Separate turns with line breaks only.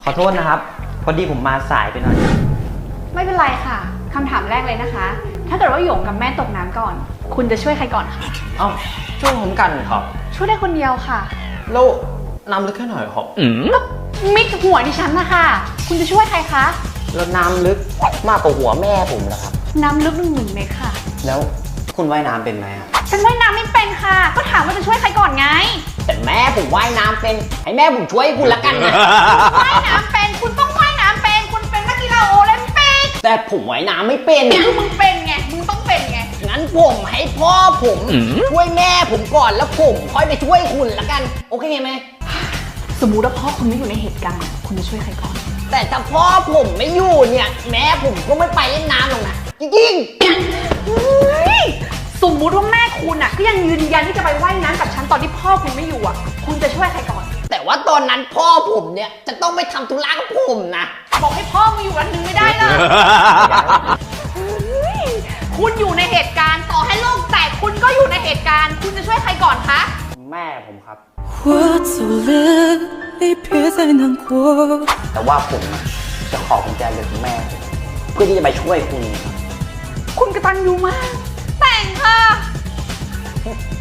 ขอโทษนะครับพอดีผมมาสายไปหน่อย
ไม่เป็นไรค่ะคำถามแรกเลยนะคะ ถ้าเกิดว่าหยงกับแม่ตกน้ำก่อน คุณจะช่วยใครก่อนคะ
เอ้าช่วยผมกันครับ
ช่วยได้คนเดียวค่ะ
แล้วน้ำลึกแค่หน่อยครับ
ก็มิดหัวดิฉันนะคะคุณจะช่วยใครคะ
แล้วน้ำลึกมากกว่าหัวแม่ผมเหรอครับ
น้ำลึก1 เมตรค่ะ
แล้วคุณว่ายน้ำเป็นไหม
ฉันว่ายน้ำไม่เป็นค่ะก็ถามว่าจะช่วยใครก่อนไง
แต่แม่ผมว่ายน้ำเป็นให้แม่ผมช่วยคุณละกันนะ
ว่ายน้ำเป็นคุณต้องว่ายน้ำเป็นคุณเป็นนักกีฬาโอลิมปิก
แต่ผมว่ายน้ำไม่เป็น
คือมึงเป็นไงมึงต้องเป็นไง
งั้นผมให้พ่อผมช่วยแม่ผมก่อนแล้วผมค่อยไปช่วยคุณละกันโอเคไหม
สมมุติว่าพ่อคุณไม่อยู่ในเหตุการณ์คุณจะช่วยใครก่อน
แต่ถ้าพ่อผมไม่อยู่เนี่ยแม่ผมก็ไม่ไปเล่นน้ำหรอกนะจริง
สมมุติว่าแม่คุณอ่ะก็ยังยืนยันที่จะไปว่ายน้ำกับฉันตอนที่พ่อคุณไม่อยู่อ่ะคุณจะช่วยใครก่อน
แต่ว่าตอนนั้นพ่อผมเนี่ยจะต้องไปทำธุระกับผมนะ
บอกให้พ่อมาอยู่วันนึงไม่ได้เลยคุณอยู่ในเหตุการณ์ต่อให้โลกแตกคุณก็อยู่ในเหตุการณ์คุณจะช่วยใครก่อนคะ
แม่ผมครับแต่ว่าผมจะขอกุญแจรถแม่เพื่อที่จะไปช่วยคุณ
คุณกตัญญูมากแต่งค่ะ